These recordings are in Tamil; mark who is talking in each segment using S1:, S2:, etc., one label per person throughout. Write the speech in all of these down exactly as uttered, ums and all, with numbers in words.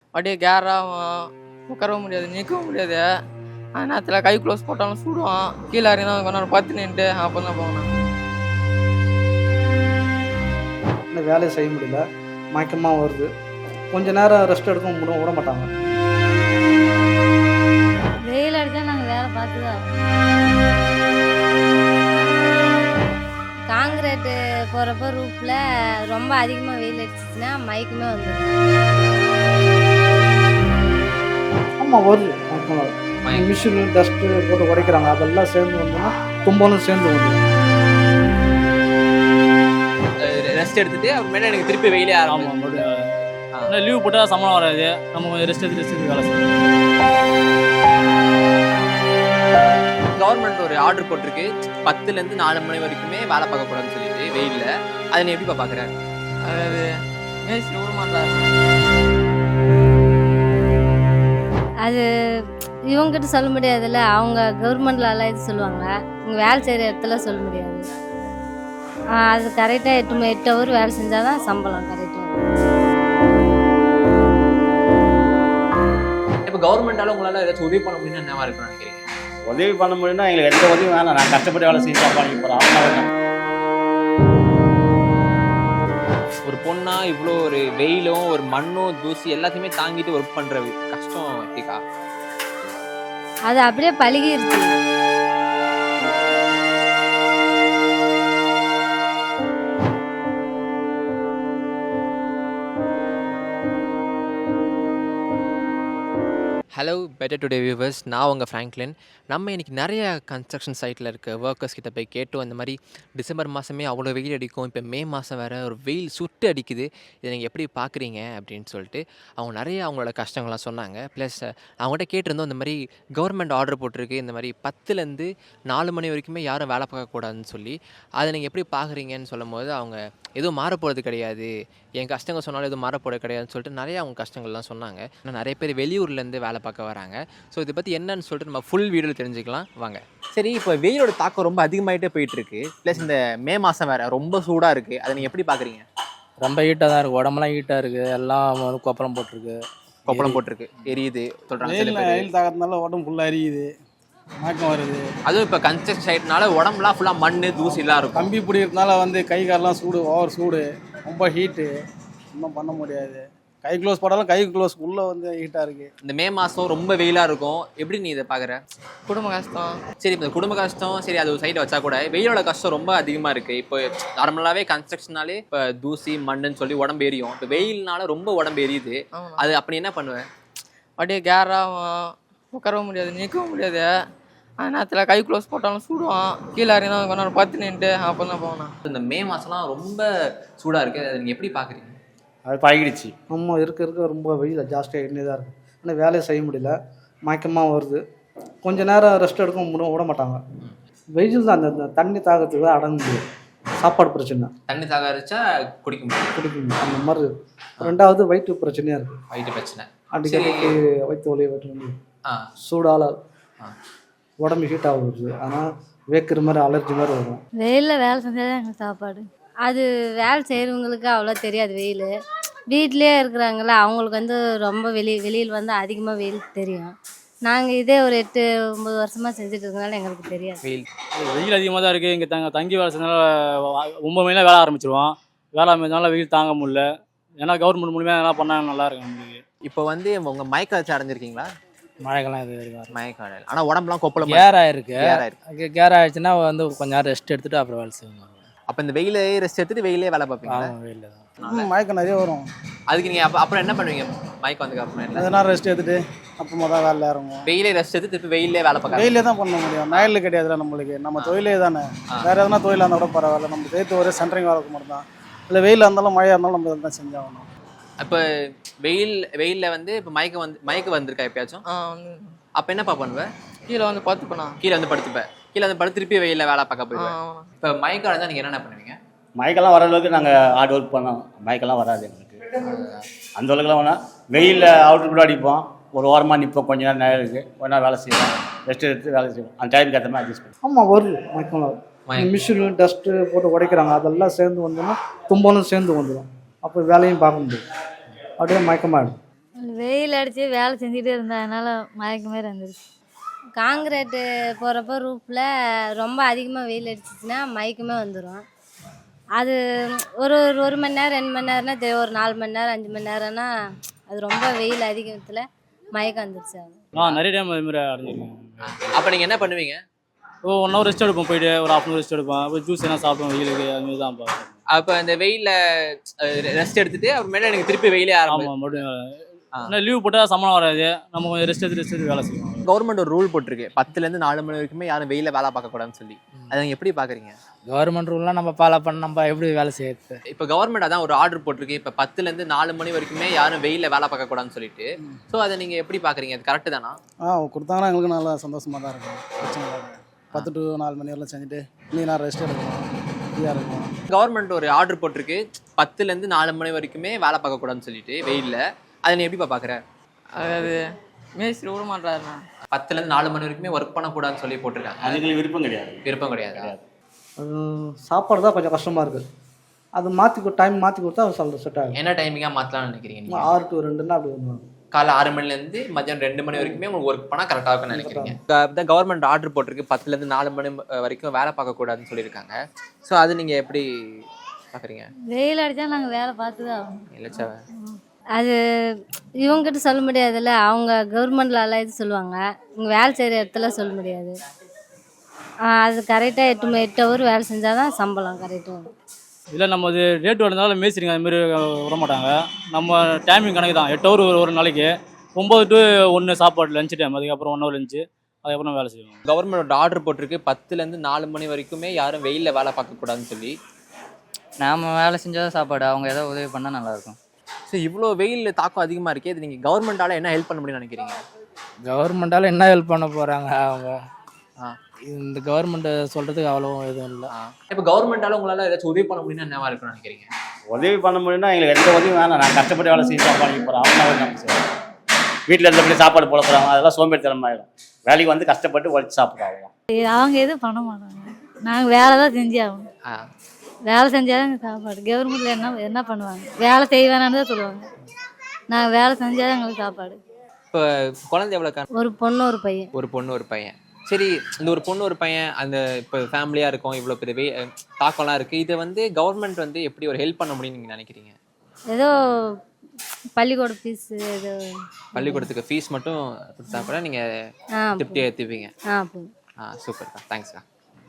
S1: அப்படியே கேராகும், உட்காரவும் முடியாது, நிற்கவும் முடியாது. அந்த நேரத்தில் கை க்ளோஸ் போட்டாலும் சுடுவோம். கீழே இறங்கி கொஞ்ச நேரம் பத்து நின்றுட்டு அப்போ தான் போகணும்.
S2: இந்த வேலையை செய்ய முடியல, மயக்கமாக வருது. கொஞ்ச நேரம் ரெஸ்ட் எடுக்க முடியும் விட மாட்டாங்க.
S3: வெயில் அடித்தா நாங்கள் வேலை பார்த்து தான் காங்கிரீட்டு போகிறப்ப ரூஃபில் ரொம்ப அதிகமாக வெயில் அடிச்சிச்சுன்னா மயக்கமே வந்துடும்.
S2: ஆமாம் வருது, மயக்கமாக வருது. மிஷினு டஸ்ட்டு போட்டு உடைக்கிறாங்க, அதெல்லாம் சேர்ந்து வந்தோம்னா தும்பலும் சேர்ந்து வந்துடும்.
S4: ரெஸ்ட் எடுத்துட்டு அப்புறமேல எனக்கு திருப்பி வெயிலே ஆரம்பம்.
S5: லீவ் போட்டால் சம்பளம் வராது, நம்ம கொஞ்சம் ரெஸ்ட் எடுத்து ரெஸ்ட் எடுத்து வேலை செய்யணும்.
S4: கவர்மெண்ட் ஒரு ஆர்டர் போட்டிருக்கு, பத்துலேருந்து நாலு மணி வரைக்குமே வேலை பார்க்கக்கூடாதுன்னு சொல்லிட்டு வெயிலில். அதை நீ எப்படிப்பா பார்க்குறேன்?
S1: அதாவது மேய்ச்சி விட மாட்டாங்க.
S3: அது இவங்ககிட்ட சொல்ல முடியாதுல்ல, அவங்க கவர்மெண்ட்ல இது சொல்லுவாங்க, இவங்க வேலை செய்கிற இடத்துல சொல்ல முடியாது. அது கரெக்டாக எட்டு மணி எட்டு ஹவர் வேலை செஞ்சால் தான் சம்பளம் கரெக்டாக.
S4: இப்போ கவர்மெண்டால உங்களால் ஏதாச்சும் உதவி பண்ண முடியும்னு என்னவா இருக்குன்னு நினைக்கிறீங்க?
S6: உதவி பண்ண முடியும்னா எங்களுக்கு எந்த உதவியும் வேணாம், நான் கஷ்டப்பட்டு வேலை செஞ்சு சாப்பாடு போகிறோம்.
S4: ஒரு பொண்ணா இவ்வளோ ஒரு வெயிலும் ஒரு மண்ணும் தூசி எல்லாத்தையுமே தாங்கிட்டு ஒர்க் பண்ணுற கஷ்டம் எப்படிக்கா?
S3: அது அப்படியே பழகிருச்சு.
S4: ஹலோ பெட்டர் டுடே வியூவர்ஸ், நான் உங்கள் ஃப்ராங்க்லின். நம்ம இன்றைக்கி நிறைய கன்ஸ்ட்ரக்ஷன் சைட்டில் இருக்க ஒர்க்கர்ஸ் கிட்ட போய் கேட்டோம். இந்த மாதிரி டிசம்பர் மாதமே அவ்வளோ வெயில் அடிக்கும், இப்போ மே மாதம் வேறு ஒரு வெயில் சுட்டு அடிக்குது, இதை நீங்கள் எப்படி பார்க்குறீங்க அப்படின்னு சொல்லிட்டு அவங்க நிறைய அவங்களோட கஷ்டங்கள்லாம் சொன்னாங்க. ப்ளஸ் அவங்ககிட்ட கேட்டிருந்தோம், இந்த மாதிரி கவர்மெண்ட் ஆர்டர் போட்டிருக்கு, இந்த மாதிரி பத்துலேருந்து நாலு மணி வரைக்குமே யாரும் வேலை பார்க்கக்கூடாதுன்னு சொல்லி, அதை நீங்கள் எப்படி பார்க்குறீங்கன்னு சொல்லும் போது அவங்க எதுவும் மாறப்போகிறது கிடையாது, என் கஷ்டங்கள் சொன்னாலும் எதுவும் மாறப்போகிறது கிடையாதுன்னு சொல்லிட்டு நிறைய அவங்க கஷ்டங்கள்லாம் சொன்னாங்க. ஆனால் நிறைய பேர் வெளியூர்லேருந்து வேலை பார்க்க வராங்க. ஸோ இதை பற்றி என்னன்னு சொல்லிட்டு நம்ம ஃபுல் வீடியோவில் தெரிஞ்சுக்கலாம் வாங்க. சரி, இப்போ வெயிலோட தாக்கம் ரொம்ப அதிகமாகிட்டே போயிட்டுருக்கு. ப்ளஸ் இந்த மே மாதம் வேறு ரொம்ப சூடாக இருக்குது, அதை நீங்கள் எப்படி பார்க்குறீங்க?
S5: ரொம்ப ஹீட்டாக தான் இருக்குது, உடம்புலாம் ஹீட்டாக இருக்குது, எல்லாம் வந்து கொப்பளம் போட்டிருக்கு
S4: கொப்பளம் போட்டிருக்கு எரியுது சொல்கிறாங்க.
S2: வெயில் தாக்கத்தினால உடம்பு ஃபுல்லாக எரியுது, மயக்கம் வருது.
S4: அதுவும் இப்போ கன்ஸ்ட்ரக்ஷன் சைட்னால உடம்புலாம் ஃபுல்லாக மண் தூசிலாம் இருக்கும்.
S2: கம்பி பிடிக்கிறதுனால வந்து கை காலெலாம் சூடு, ஓவர் சூடு, ரொம்ப ஹீட்டு, ஒன்றும் பண்ண முடியாது. கை க்ளோஸ் போட்டாலும் கை க்ளோஸ் உள்ளே வந்து ஹீட்டாக இருக்குது.
S4: இந்த மே மாதம் ரொம்ப வெயிலாக இருக்கும், எப்படி நீ இதை பார்க்குற?
S1: குடும்ப கஷ்டம்.
S4: சரி, இப்போ குடும்ப கஷ்டம் சரி, அது ஒரு சைடில் வச்சா கூட வெயிலோட கஷ்டம் ரொம்ப அதிகமாக இருக்குது. இப்போ நார்மலாகவே கன்ஸ்ட்ரக்ஷனாலே இப்போ தூசி மண்ணுன்னு சொல்லி உடம்பு எரியும், இப்போ வெயில்னால ரொம்ப உடம்பு எரியுது. அது அப்படி என்ன பண்ணுவேன்?
S1: அப்படியே கேராகும், உட்காரவும் முடியாது, நிற்கவும் முடியாது. அந்த நேரத்தில் கை க்ளோஸ் போட்டாலும் சுடுவோம். கீழே இறங்கி கொஞ்ச நேரம் பத்து நின்றுட்டு அப்போ தான் போகணும்.
S4: இந்த மே மாதம்லாம் ரொம்ப சூடாக இருக்குது, அதை நீங்கள் எப்படி பார்க்குறீங்க?
S6: அது பழகிடுச்சு.
S2: நம்ம இருக்க இருக்க ரொம்ப வெயில் ஜாஸ்தியாக எண்ணி தான் இருக்குது. ஆனால் வேலையை செய்ய முடியல, மயக்கமாக வருது. கொஞ்ச நேரம் ரெஸ்ட் எடுக்க முடியும் விட மாட்டாங்க. வெயில் தான் அந்த தண்ணி தாகத்துக்கு தான் அடங்க முடியும். சாப்பாடு பிரச்சனை,
S4: தண்ணி தாகரிச்சா குடிக்க முடியும்
S2: குடிக்க முடியும் அந்த மாதிரி. ரெண்டாவது வயிற்று பிரச்சனையாக இருக்குது,
S4: வயிற்று பிரச்சனை
S2: அடிக்கடி வயிற்று வலியை வயிற்று
S4: ஆ
S2: சூடால் உடம்பு ஹீட் ஆகுது, ஆனால் வேக்கிற மாதிரி அலர்ஜி மாதிரி வரும்.
S3: வெயிலில் வேலை செஞ்சால் தான் எங்களுக்கு சாப்பாடு. அது வேலை செய்கிறவங்களுக்கு அவ்வளோ தெரியாது. வெயில் வீட்டிலே இருக்கிறாங்கள, அவங்களுக்கு வந்து ரொம்ப வெளி வெளியில் வந்து அதிகமாக வெயில் தெரியும். நாங்கள் இதே ஒரு எட்டு ஒம்பது வருஷமாக செஞ்சுட்டு இருக்கனால எங்களுக்கு தெரியாது.
S4: வெயில்
S5: வெயில் அதிகமாக தான் இருக்குது. இங்கே தங்க தங்கி வேலை செஞ்சனால ஒம்பது மணிலாம் வேலை ஆரம்பிச்சிருவோம். வேலை ஆரம்பிச்சனால வெயில் தாங்க முடியல. ஏன்னா கவர்மெண்ட் மூலியமாக எல்லாம் பண்ணால் நல்லா இருக்கும் நம்மளுக்கு.
S4: இப்போ வந்து உங்கள் மயக்க வச்சு அடைஞ்சிருக்கீங்களா?
S5: மழைக்கெல்லாம் இது வரைக்கும்
S4: மயக்காடல், ஆனால் உடம்புலாம் கொப்பளம்
S5: கேர் ஆயிருக்கு.
S4: கேர் ஆயிருக்கு.
S5: கேர் ஆயிடுச்சுன்னா வந்து கொஞ்சம் நேரம் ரெஸ்ட் எடுத்துட்டு அப்புறம் வேலை செய்வாங்க.
S4: அப்போ இந்த வெயிலே ரெஸ்ட் எடுத்துட்டு வெயிலே வேலை பார்ப்பீங்க?
S5: வெயிலில் தான்
S2: மயக்கம் நிறைய வரும்.
S4: அதுக்கு நீங்கள் அப்போ அப்புறம் என்ன பண்ணுவீங்க? மயக்கம் வந்ததுக்கு அப்புறம் என்ன?
S2: அதனால ரெஸ்ட் எடுத்துட்டு அப்புறமா தான் வேலை இறங்குவோம்.
S4: வெயிலே ரெஸ்ட் எடுத்து திருப்பி வெயிலே வேலை பார்க்க
S2: வெயிலே தான் பண்ண முடியும், நயல் கிடையாதுல நம்மளுக்கு. நம்ம தொழிலே தானே, வேற எதனா தொழிலாக இருந்தால் கூட பரவாயில்ல. நம்ம சேர்த்து ஒரே சென்ட்ரிங் வேலைக்கு மட்டும் தான். இல்லை வெயிலாக இருந்தாலும் மழையாக இருந்தாலும் நம்ம இதை தான் செஞ்சாகணும்.
S4: இப்போ வெயில் வெயிலில் வந்து இப்போ மயக்கம் வந்து மயக்கம் வந்திருக்கா எப்பயாச்சும்?
S1: ஆ வந்து
S4: அப்போ என்னப்பா பண்ணுவேன்?
S1: கீழே வந்து பார்த்துப்பேண்ணா.
S4: கீழே வந்து படுத்துப்பேன், கீழே வந்து படுத்து திருப்பி வெயிலில் வேலை பார்க்க போயிடுவேன். இப்போ மயக்கம் இருந்தால் நீங்கள் என்னென்ன பண்ணுவீங்க?
S6: மயக்கெல்லாம் வர அளவுக்கு நாங்கள் ஹார்ட் ஒர்க் பண்ணோம், மயக்கெல்லாம் வராது எங்களுக்கு. அந்த அளவுக்குலாம் வேணால் வெயிலில் அவுட்ரு கூட அடிப்போம், ஒரு ஓரமாக நிற்போம், கொஞ்ச நேரம் நேரம் கொஞ்ச நேரம் வேலை செய்வோம், ரெஸ்ட் எடுத்து வேலை செய்வோம். அந்த டைமுக்கு ஏற்ற மாதிரி அட்ஜஸ்ட் பண்ணுவோம். ஆமாம் வருது மயக்கம் வரும். மிஷினு டஸ்ட்டு போட்டு உடைக்கிறாங்க, அதெல்லாம் சேர்ந்து வந்தோம்னா தும்பலும் சேர்ந்து வந்துடும். அப்போ வேலையும் பார்க்க முடியும், அப்படியே மயக்கமாகிடும்.
S3: வெயில் அடித்து வேலை செஞ்சுட்டே இருந்ததுனால மயக்க மாரி வந்துருச்சு. காங்கிரீட்டு போகிறப்ப ரூஃபில் ரொம்ப அதிகமாக வெயில் அடிச்சிச்சுன்னா மயக்கமே வந்துடும். அது ஒரு ஒரு ஒரு மணி நேரம் ரெண்டு மணி நேரம்னா தெரியும், ஒரு நாலு மணி நேரம் அஞ்சு மணி நேரம்னா அது ரொம்ப வெயில் அதிகத்தில் மயக்கம் வந்துருச்சு. அது
S5: ஆ நிறைய டைம் அது மாதிரி அடைஞ்சிருக்கேன்.
S4: அப்போ நீங்கள் என்ன பண்ணுவீங்க?
S5: ஓ ஒன் ஹவர் ரெஸ்ட் எடுப்போம், போயிட்டு ஒரு ஹாஃப் அன் ஹவர் ரெஸ்ட் எடுப்போம், அப்புறம் ஜூஸ் என்ன சாப்பிடுவோம் வெயிலுக்கு, அதுமாரி தான் பார்ப்போம்.
S4: அப்போ அந்த வெயிலில் ரெஸ்ட் எடுத்துட்டு அப்புறமேல எனக்கு திருப்பி வெயிலே ஆரம்பிக்கும்.
S5: ஆமாம் மறுபடியும் ஆனால் லீவ் போட்டால் சம்பளம் வராது, நம்ம கொஞ்சம் ரெஸ்ட் எடுத்து ரெஸ்ட் எடுத்து வேலை செய்வோம்.
S4: கவர்மெண்ட் ஒரு ரூல் போட்டிருக்கு, பத்துலேருந்து நாலு மணி வரைக்குமே யாரும் வெயில வேலை பார்க்கக்கூடாதுன்னு சொல்லி. அதை நீங்கள் எப்படி பார்க்குறீங்க?
S7: கவர்மெண்ட் ரூல்லாம் நம்ம ஃபாலோ பண்ண நம்ம எப்படி வேலை செய்யறது?
S4: இப்போ கவர்மெண்ட் அதான் ஒரு ஆர்டர் போட்டிருக்கு, இப்போ பத்துலேருந்து நாலு மணி வரைக்குமே யாரும் வெயிலில் வேலை பார்க்கக்கூடாதுன்னு சொல்லிட்டு. ஸோ அதை நீங்கள் எப்படி பார்க்குறீங்க? அது கரெக்டு தானா?
S8: ஆ கொடுத்தாங்கன்னா எங்களுக்கு நல்லா சந்தோஷமாக தான் இருக்கும். பிரச்சனை இல்லை. பத்து டு நாலு மணி வரலாம் செஞ்சுட்டு நீ நான் ரெஸ்ட் எடுக்கணும், ஃப்ரீயாக இருக்கும்.
S4: கவர்மெண்ட் ஒரு ஆர்டர் போட்டிருக்கு, பத்துலேருந்து நாலு மணி வரைக்குமே வேலை பார்க்கக்கூடாதுன்னு சொல்லிட்டு வெயிலில். அதை நீ எப்படிப்பா பார்க்குற?
S1: அதாவது மேஸ்திரி விட மாட்டாருண்ணா.
S4: பத்துலேருந்து நாலு மணி வரைக்குமே ஒர்க் பண்ணக்கூடாதுன்னு சொல்லி போட்டிருக்காங்க.
S6: அது எங்களுக்கு விருப்பம் கிடையாது.
S4: விருப்பம் கிடையாது.
S2: அது சாப்பாடு தான் கொஞ்சம் கஷ்டமாக இருக்குது. அது மாற்றி டைம் மாற்றி கொடுத்தா சொல்ல செட் ஆகும்.
S4: என்ன டைமிங்காக மாற்றலாம்னு நினைக்கிறீங்க நீங்கள்?
S2: ஆறு டு ரெண்டுன்னா அப்படி வந்துடும்.
S4: காலை ஆறு மணிலேருந்து மதியம் ரெண்டு மணி வரைக்குமே உங்களுக்கு ஒர்க் பண்ணால் கரெக்டாக இருக்குன்னு நினைக்கிறீங்க. தான் கவர்மெண்ட் ஆர்டர் போட்டிருக்கு, பத்துலேருந்து நாலு மணி வரைக்கும் வேலை பார்க்கக்கூடாதுன்னு சொல்லியிருக்காங்க. ஸோ அது நீங்கள் எப்படி பார்க்குறீங்க?
S3: வெயில் அடித்தா நாங்கள் வேலை பார்த்து தான் ஆகணும்.
S4: இல்லைச்சா
S3: அது இவங்ககிட்ட சொல்ல முடியாதுல்ல, அவங்க கவர்மெண்ட்லலாம் இது சொல்லுவாங்க, இங்கே வேலை செய்கிற இடத்துல சொல்ல முடியாது. அது கரெக்டாக எட்டு மணி எட்டு ஹவர் வேலை செஞ்சால் தான் சம்பளம் கரெக்டாக வரும்.
S5: இல்லை நம்ம அது ரேட் வரதுனால மேய்ச்சிருங்க அதுமாரி விட மாட்டாங்க. நம்ம டைமிங் கணக்கு தான், எட்டு ஹவர் ஒரு ஒரு நாளைக்கு, ஒம்பது டு ஒன்று சாப்பாடு லஞ்ச் டைம், அதுக்கப்புறம் ஒன் ஹவர் லஞ்சு, அதுக்கப்புறம் வேலை செய்வோம்.
S4: கவர்மெண்ட் ஆர்டர் போட்டிருக்கு, பத்துலேருந்து நாலு மணி வரைக்குமே யாரும் வெயிலில் வேலை பார்க்கக்கூடாதுன்னு சொல்லி.
S7: நாம் வேலை செஞ்சால் சாப்பாடு, அவங்க ஏதாவது உதவி பண்ணால் நல்லாயிருக்கும்.
S4: ஸோ இவ்வளோ வெயில் தாக்கம் அதிகமாக இருக்கே, இது நீங்கள் கவர்மெண்ட்டால் என்ன ஹெல்ப் பண்ண முடியும்னு நினைக்கிறீங்க?
S7: கவர்மெண்டால் என்ன ஹெல்ப் பண்ண போகிறாங்க அவங்க?
S4: ஆ
S7: இந்த கவர்மெண்ட்டை சொல்கிறதுக்கு அவ்வளோ எதுவும் இல்லை.
S4: இப்போ கவர்மெண்ட்டால் உங்களால் ஏதாச்சும் உதவி பண்ண முடியும்னா என்னவா இருக்குன்னு நினைக்கிறீங்க?
S6: உதவி பண்ண முடியும்னா எங்களுக்கு எந்த உதவியும் வேணாம். நான் கஷ்டப்பட்டு வேலை செய்ய சாப்பாடு போகிறோம், அவங்க நம்ம செய்வோம். வீட்டில் இருந்தபடி சாப்பாடு போட போகிறாங்க, அதெல்லாம் சோம்பேறித்தனமாயிடும். வேலைக்கு வந்து கஷ்டப்பட்டு உழைச்சி சாப்பிட்றாங்க.
S3: அவங்க எதுவும் பண்ண மாட்டாங்க, நாங்கள் வேலை தான் செஞ்சு ஆகணும்.
S4: ஆ
S3: வேலை செஞ்சால் சாப்பாடு. கவர்மெண்ட்டில் என்ன என்ன பண்ணுவாங்க? வேலை செய்ய வேணான்னு தான் சொல்லுவாங்க. நாங்கள் வேலை செஞ்சால் எங்களுக்கு சாப்பாடு.
S4: இப்போ குழந்தை எவ்வளோ?
S3: ஒரு பொண்ணு ஒரு பையன்.
S4: ஒரு பொண்ணு ஒரு பையன். சரி, இந்த ஒரு பொண்ணு ஒரு பையன் அந்த இப்போ ஃபேமிலியாக இருக்கும், இவ்வளோ பெரிய வெய் தாக்கம்லாம் இருக்குது, இதை வந்து கவர்மெண்ட் வந்து எப்படி ஒரு ஹெல்ப் பண்ண முடியும்னு நீங்கள் நினைக்கிறீங்க?
S3: ஏதோ பள்ளிக்கூட ஃபீஸு, ஏதோ
S4: பள்ளிக்கூடத்துக்கு ஃபீஸ் மட்டும் கொடுத்தா கூட நீங்கள்
S3: ஆ
S4: திருப்தியாக ஏற்றுப்பீங்க.
S3: ஆ போதும்.
S4: ஆ சூப்பர்க்கா, தேங்க்ஸ்க்கா.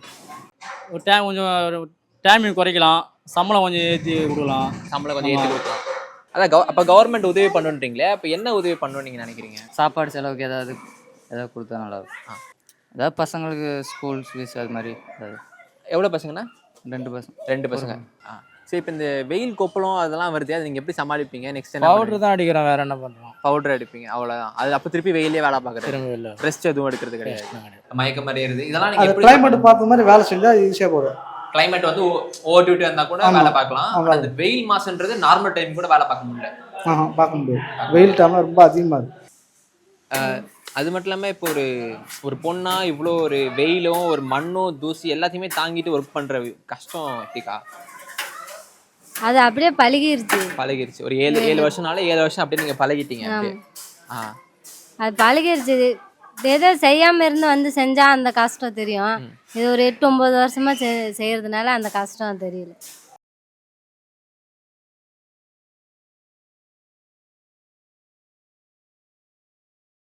S5: ஒரு டைம் கொஞ்சம் டைமிங் குறைக்கலாம், சம்பளம் கொஞ்சம் ஏற்றி கொடுக்கலாம்.
S4: சம்பளம் கொஞ்சம் ஏற்றி கொடுக்கலாம். அதான் கவ அப்போ கவர்மெண்ட் உதவி பண்ணுன்றீங்களே, அப்போ என்ன உதவி பண்ணணும்னு நீங்கள் நினைக்கிறீங்க?
S7: சாப்பாடு செலவுக்கு ஏதாவது ஏதாவது கொடுத்தா நல்லாயிருக்கும். ஆ ஏதாவது பசங்களுக்கு ஸ்கூல் ஃபீஸ் அது மாதிரி ஏதாவது.
S4: எவ்வளோ பசங்கண்ணா?
S7: ரெண்டு பசங்க.
S4: ரெண்டு பசங்க. ஆ சரி, இப்போ இந்த வெயில் கொப்பளம் அதெல்லாம் வருது, அது நீங்கள் எப்படி சமாளிப்பீங்க? நெக்ஸ்ட் என்ன?
S7: பவுடர் தான் அடிக்கிறோம், வேறு என்ன பண்ணுறோம்?
S4: பவுடர் அடிப்பீங்க, அவ்வளோதான். அது அப்போ திருப்பி வெயிலே வேலை பார்க்குறது,
S7: திரும்ப இல்லை,
S4: ரெஸ்ட் எதுவும் எடுக்கிறது கிடையாது, மயக்கம் மாதிரி ஏறுது. இதெல்லாம் நீங்கள்
S2: அது
S4: எப்படி
S2: கிளைமேட் பார்த்த மாதிரி வேலை செஞ்சால் ஈஸியாக போதும்.
S4: கிளைமேட் வந்து ஓவர் டியூட்டி இருந்தால் கூட வேலை பார்க்கலாம். அந்த வெயில் மாசம்ன்றது நார்மல் டைம் கூட வேலை பார்க்க முடியல.
S2: ஆஹா பார்க்க முடியாது, வெயில் டைம்லாம் ரொம்ப அதிகமாக இருக்குது.
S4: அது மட்டும் இல்லாமல் இப்போ ஒரு ஒரு பொண்ணா இவ்வளோ ஒரு வெயிலும் ஒரு மண்ணும் தூசி எல்லாத்தையுமே தாங்கிட்டு ஒர்க் பண்ணுற கஷ்டம் எப்படிக்கா?
S3: அது அப்படியே பழகிருச்சு.
S4: பழகிருச்சு. ஒரு ஏழு ஏழு வருஷம்னால ஏழு வருஷம் அப்படியே நீங்கள் பழகிட்டீங்க அப்படியே. ஆ
S3: அது பழகிருச்சு. ஏதோ செய்யாமல் இருந்து வந்து செஞ்சால் அந்த கஷ்டம் தெரியும். இது ஒரு எட்டு ஒம்பது வருஷமாக செ செய்கிறதுனால அந்த கஷ்டம் தெரியல.